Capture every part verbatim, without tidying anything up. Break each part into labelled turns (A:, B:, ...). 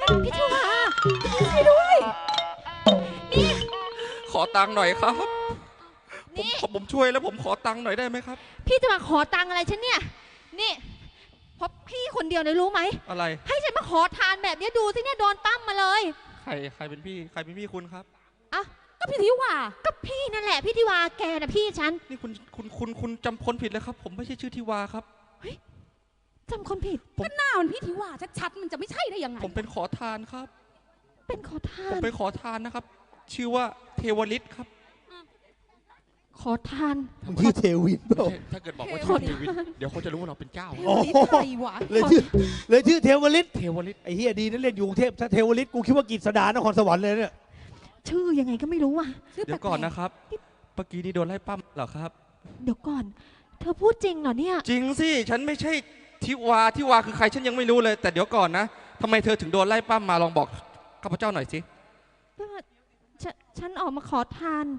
A: พี่ทิวาช่วยด้วยนี่
B: ขอตังค์หน่อยครับผม
A: นี่
B: ผมช่วยแล้วผมขอตังค์หน่อยได้ไหมครับ
A: พี่จะมาขอตังค์อะไรฉันเนี่ยนี่เพราะพี่คนเดียวเลยรู้ไหม
B: อะไร
A: ให้ฉันมาขอทานแบบนี้ดูสิเนี่ยโดนปั้มมาเลย
B: ใครใครเป็นพี่ใครเป็นพี่คุณครับ
A: อ่ะก็พี่ทิวาก็พี่นั่นแหละพี่ทิวาแกนะพี่ฉัน
B: นี่คุณคุณคุณคุณจำคนผิดเลยครับผมไม่ใช่ชื่อทิวาครับ
A: เฮ้ยจำคนผิด
C: ก็หน้ามันพี่ทิวาชัดๆมันจะไม่ใช่ได้ยังไง
B: ผมเป็นขอทานครับ
A: เป็นขอทาน
B: ผมเป็นขอทานนะครับชื่อว่าเทวฤทธิ์ครับ
A: ขอทาน
D: มึงชื่อเทวินเปล่า
B: ถ้าเกิดบอกว่าชื่อเทวินเดี๋ยวเขาจะรู้ว่าเราเป็นเจ้า
C: โอ้ใครวะ
D: เลยชื่อเลยชื่อเทวฤทธิ์
B: เทวฤทธิ์
D: ไอ้เฮียดีนั่นเล่นอยู่กรุงเทพถ้าเทวฤทธิ์กูคิดว่ากิจสดานครสวรรค์เลยเนี่ย
A: ชื่อยังไงก็ไม่รู้อ่ะ
B: เดี๋ยวก่อนนะครับเมื่อกี้นี่โดนไล่ปั้มเหรอครับ
A: เดี๋ยวก่อนเธอพูดจริงเหรอเนี่ย
B: จริงสิฉันไม่ใช่ทิวาทิวาคือใครฉันยังไม่รู้เลยแต่เดี๋ยวก่อนนะทำไมเธอถึงโดนไล่ปั้มมาลองบอกข้าพเจ้าหน่อยสิ
A: ฉันออกมาขอทาน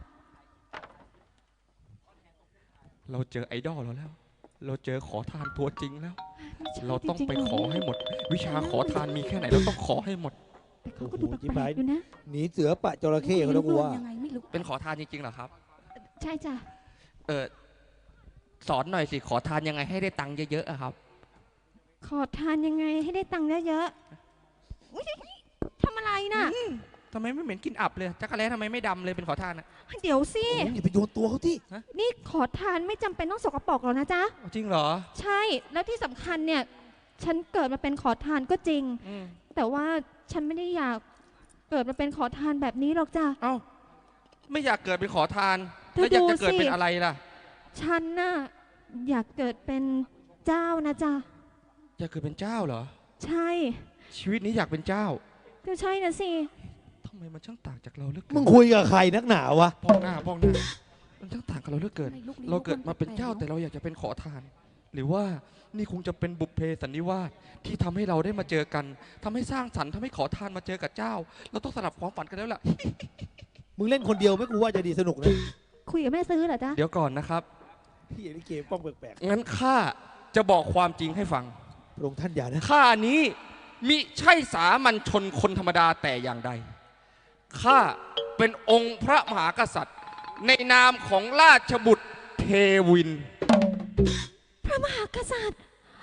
B: เราเจอไอดอลเราแล้วเราเจอขอทานตัวจริงแล้วเราต้องไปขอให้หมดวิชาขอทานมีแค่ไหนเราต้องขอให้หมด
A: แต่เขาก็ดูแปลกๆอยู่นะ
D: หนีเสือปะจระเข้เขาแล้วกูว่า
B: เป็นขอทานจริงๆเหรอครับ
A: ใช่จ้ะ
B: เออสอนหน่อยสิขอทานยังไงให้ได้ตังค์เยอะๆอะครับ
A: ขอทานยังไงให้ได้ตังค์เยอะๆทำอะไรน่ะ
B: ทำไมไม่เหม็นกินอับเลยจักรแล้ทำไมไม่ดำเลยเป็นขอทานอะ
A: เดี๋ยวสิ
D: อย่าไปโยนตัวเขาที่
A: นี่ขอทานไม่จำเป็นต้องสกปรกหรอกนะจ๊ะ
B: จริงเหรอ
A: ใช่แล้วที่สำคัญเนี่ยฉันเกิดมาเป็นขอทานก็จริงแต่ว่าฉันไม่ได้อยากเกิดมาเป็นขอทานแบบนี้หรอกจ้ะ
B: เอ้าไม่อยากเกิดเป็นขอทานแล้วอยากจะเกิดเป็นอะไรล่ะ
A: ฉันน่ะอยากเกิดเป็นเจ้านะจ๊ะ
B: อยากเกิดเป็นเจ้าเหรอ
A: ใช่
B: ชีวิตนี้อยากเป็นเจ้า
A: ก็ใช่นะสิ
B: ทำไมมันช่างต่างจากเราเหลือเกิน
D: มึงคุยกับใครนักหนาวะ
B: ป้องหน้าป้องหน้ามันช่างต่างกับเราเหลือเกินเราเกิดมาเป็นเจ้าแต่เราอยากจะเป็นขอทานหรือว่านี่คงจะเป็นบุพเพสันนิวาสที่ทำให้เราได้มาเจอกันทำให้สร้างสรรค์ทำให้ขอทานมาเจอกับเจ้าเราต้องสลับความฝันกันแล้วล่ะ
D: มึงเล่นคนเดียวไม่กูว่าจะดีสนุกนะ
A: คุยกับแม่ซื้อเหรอจ๊ะ
B: เดี๋ยวก่อนนะครับ
D: พี่อย่าไปเกมป้องแปลก
B: ๆงั้นข้าจะบอกความจริงให้ฟัง
D: พระองค์ท่านอย่านะ
B: ข้านี้มิใช่สามัญชนคนธรรมดาแต่อย่างใดข้าเป็นองค์พระมหากษัตริย์ในนามของราชบุตรเทวิน
A: พระมหากษัตริย์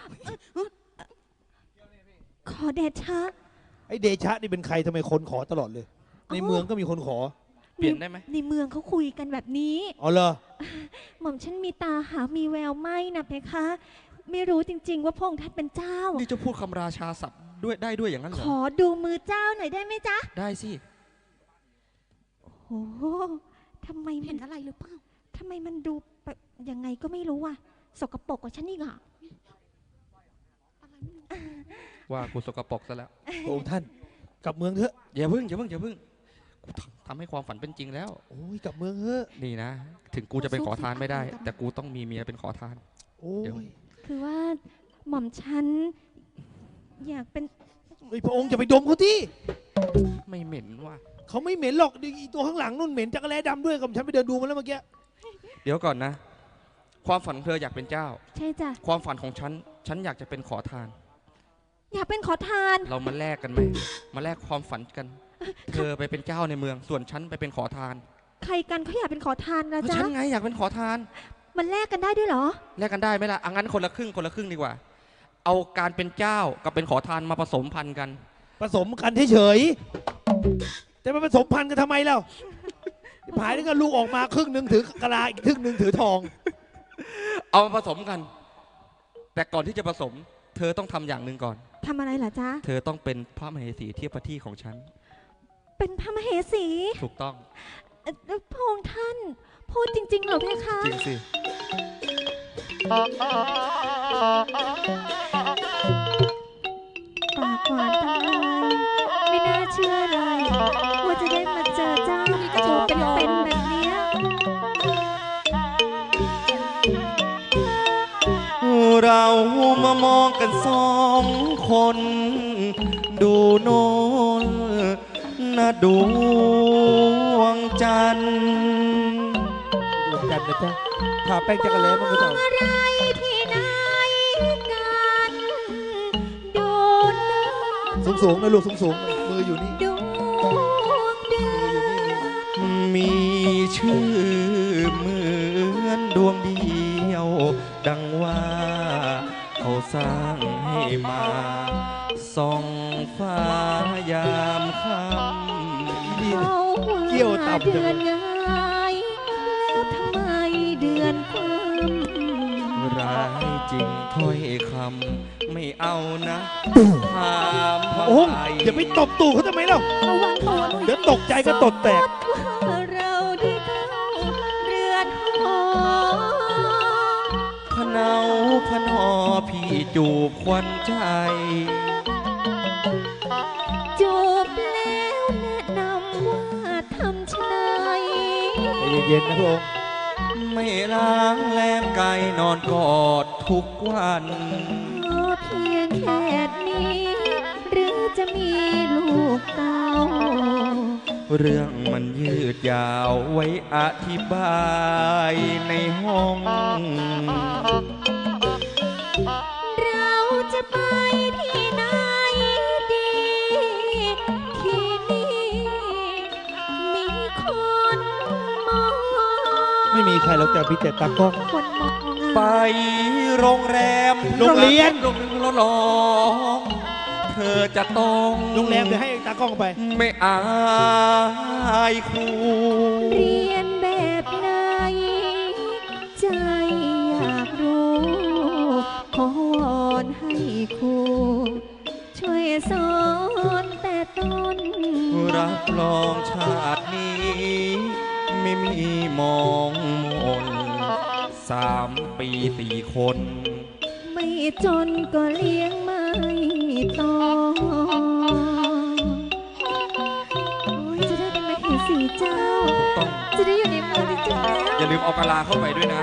A: ขอเดชะ
D: ไอเดชะนี่เป็นใครทำไมคนขอตลอดเลยในเมืองก็มีคนขอ
B: เปลี่ยนได้ไหม
A: ในเมืองเขาคุยกันแบบนี้
D: อ๋อเหรอ
A: หม่อมฉันมีตาหามีแววไม่นะเพคะไม่รู้จริงๆว่าพระองค์ท่านเป็นเจ้า
B: นี่จะพูดคำราชาศัพท์ด้วยได้ด้วยอย่างนั้นเหรอ
A: ขอดูมือเจ้าหน่อยได้ไหมจ๊ะ
B: ได้สิ
A: โอ้โหทำไม
C: เห็นอะไรหรือเปล่า
A: ทำไมมันดูแบบยังไงก็ไม่รู้อ่ะสกปรกกว่าฉันอีกอ่ะ
B: ว่ากูสกปรกซะแล้ว
D: พระองค์ท่านกลับเมืองเถอะ
B: อย่าพึ่งอย่าพึ่งอย่าพึ่งกูทำให้ความฝันเป็นจริงแล้ว
D: โอ้ยกลับเมืองเถอะ
B: นี่นะถึงกูจะเป็นขอทานไม่ได้แต่กูต้องมีเมียเป็นขอทาน
D: โอ้ย
A: คือว่าหม่อมฉันอยากเป็น
D: ไอ้พระองค์จะไปดมเขาที่
B: ไม่เหม็นว่ะ
D: เขาไม่เหม็นหรอกอีตัวข้างหลังนู่นเหม็นจักรแล้ดำด้วยกับฉันไปเดินดูมาแล้วเมื่อกี้
B: เดี๋ยวก่อนนะความฝันเธออยากเป็นเจ้า
A: ใช่จ้ะ
B: ความฝันของฉันฉันอยากจะเป็นขอทาน
A: อยากเป็นขอทาน
B: เรามาแลกกันไหมมาแลกความฝันกันเธอไปเป็นเจ้าในเมืองส่วนฉันไปเป็นขอทาน
A: ใครกันเขาอยากเป็นขอทานนะจ๊ะ
B: ฉันไงอยากเป็นขอทาน
A: มันแลกกันได้ด้วยเหรอ
B: แลกกันได้ไหมล่ะอังั้นคนละครึ่งคนละครึ่งดีกว่าเอาการเป็นเจ้ากับเป็นขอทานมาผสมพันธุ์กัน
D: ผสมกันเฉยๆแต่มาผสมพันธุ์กันทำไมเล่าหายแล้วก็ลูกออกมาครึ่งหนึ่งถือกะลาอีกครึ่งหนึ่งถือทอง
B: เอามาผสมกันแต่ก่อนที่จะผสมเธอต้องทำอย่างหนึ่งก่อน
A: ทำอะไรเหรอจ๊ะ
B: เธอต้องเป็นพระมเหสีเทียบพระที่ของฉัน
A: เป็นพระมเหสี
B: ถูกต้อง
A: พระองค์ท่านพูดจริงๆเหรอเพคะ
B: จริงสิ
A: ปากหวานจังเลยไม่น่าเชื่อเลยว่าจะได้มาเจอเจ้าตัวเป็นๆแบบนี้
B: เรามามองกันสองคนดูโน่นนะดวงจันทร์
D: ดวงจันทร์นะจ๊ะทาแป้งจักรแล้มันก็จะ
A: อะไรที่ไหนกันดูนะ
D: สูสูงๆนะลูกสูงๆมืออยู่นี่
A: ดวงเดื
D: มืออยู่นี่มือ
B: มีชื่อเหมือนดวงเดียว ดังว่าเขาสร้างให้มาส่องฟ้ายามค่ำ
D: นี่
A: เขา
D: เกี่ยวต่ำจั
A: เดื
D: ง
A: อนง่ายแล้วทำไมเดือนความ
B: ร้ายจริงถ้อยคำไม่เอานะถามว่า
D: โอ้
B: ใคร
D: อย่าไปตบตู่เขาทำไมเล่า
C: ระวังตัวหน่อย
D: เดี๋ยวตกใจก็ตดแตก
A: ว่าเราได้เข้าเรือนหอ
B: พะเนาพะนอพี่จูบควันใจ
A: จูบแล้วแนะนำว่าทำชะไน
D: ใจเย็นๆนะพระองค์
B: ไม่ล้างแลมไก่นอนกอดทุกวัน
A: ขอเพียงแค่นี้ หรือจะมีลูกเต้า
B: เรื่องมันยืดยาวไว้อธิบายในห้อง
A: เราจะไปที่ไหนดี ที่นี่มีคนมอง
D: ไม่มีใครหรอกแต่พี่แต่ตากล้อง
A: คนมอง
B: ไปโรงแรม
D: โรงเรียน
B: โรงเรียนร้องเธอจะต้อง
D: โรงแรมเดี๋ยวให้ตากล้องไป
B: ไม่อายครู
A: เรียนแบบไหน ใจอยากรู้ ขอวอนให้ครู ช่วยสอนแต่ต้น
B: รับรองชาตินี้ ไม่มีมองมนสามปีสี่คน
A: ไม่จนก็เลี้ยงไม่โตโอ้ยจะได้เป็นมเหสีเจ้า
B: ต้อง
A: จะได้อยู่ในเมืองที่เจ้าแล้ว
B: อย่าลืมเอากะลาเข้าไปด้วยนะ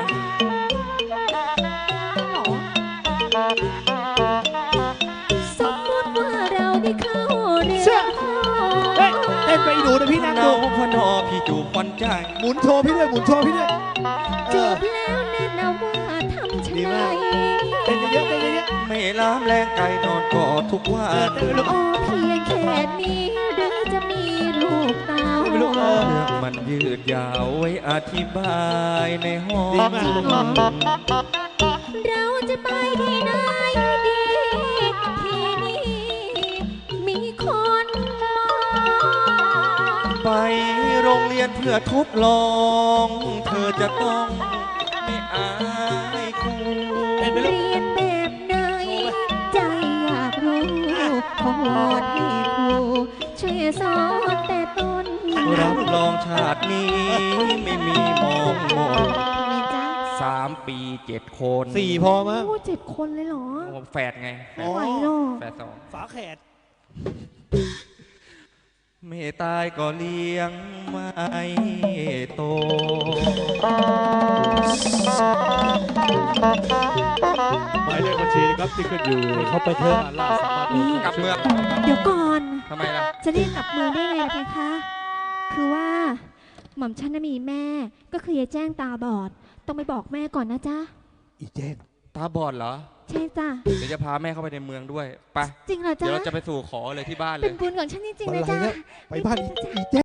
A: สมมติว่าเราได้เข้าเรื
D: เชื่
A: อ
D: อ
A: นหอ
D: เฮ้ยเต้นไปอีหนูเดี๋ยวพี่นั่ง
B: เนา
D: ดู
B: พะนอพี่จูบควันใจ
D: หมุนโชว์พี่ด้วยหมุนโชว์พี่ด้วยเอ
A: จู
D: อบ
A: แล้วแนะนำว่าทำชะ
D: ดี
A: ไน
D: มาก เต้นเยอะๆเต้นเยอะ
B: ไม่ล้ามแรงไก่นอนกอดทุกวั
D: ๆเออน เต้นไปลูก
A: โอ้เพียงแค่นี้หรือจะมีลูกเต้า
D: ไม่รู้เออ
B: เรื่องมันยืดยาวไว้อธิบายในห้อง
D: ดีมาก
A: เราจะไปที่ไหนดี ที่นี่มีคนมอง
B: ไปโรงเรียนเพื่อทดลอง เธอจะต้องไม่อายครู
D: เต้นไปลูก
A: เรียนแบบไหน ใจอยากรู้ ขอวอนให้ครู ช่วยสอนแต่ต้น
B: รับรองชาตินี้ไม่มีมองมน
A: มีจ้า
B: สามปีเจ็ดคน
D: สี่พอมั้ง
A: โอ้เจ็ดคนเลยเหรอ
B: โอ้แฝดไงแฝ
A: ไม่
B: ด
A: ไหวหรอก
B: แฝดสอง
D: ฝาแขด
B: ไม่ตายก็เลี้ยงไม่โต
E: หมายเลขบัญชีนะครับที่ขึ้นอยู่
D: เขาไปเถอะ
E: ล่าสามารถโอน
B: กลับเมือง
A: เดี๋ยวก่อน
B: ทำไมล่ะ
A: จะเรียกกลับเมืองได้ไงล่ะเพคะ คือว่า หม่อมฉันน่ะมีแม่ ก็คือยายแจ้งตาบอด ต้องไปบอกแม่ก่อนนะจ๊ะ
D: อีแจ้ง
B: ตาบอดเหรอ
A: ใช่จ้ะ
B: เดี๋ยวจะพาแม่เข้าไปในเมืองด้วย ไป
A: จริงเหรอ
B: เดี๋
A: จ๊ะ
B: ยวเราจะไปสู่ขอเลยที่บ้านเล
A: เป็น
B: ย
A: บุญของฉันจริงๆ
D: อะไร
A: นะจ๊ะ
D: เนี่ยไปบ้านอีอีแจ้ง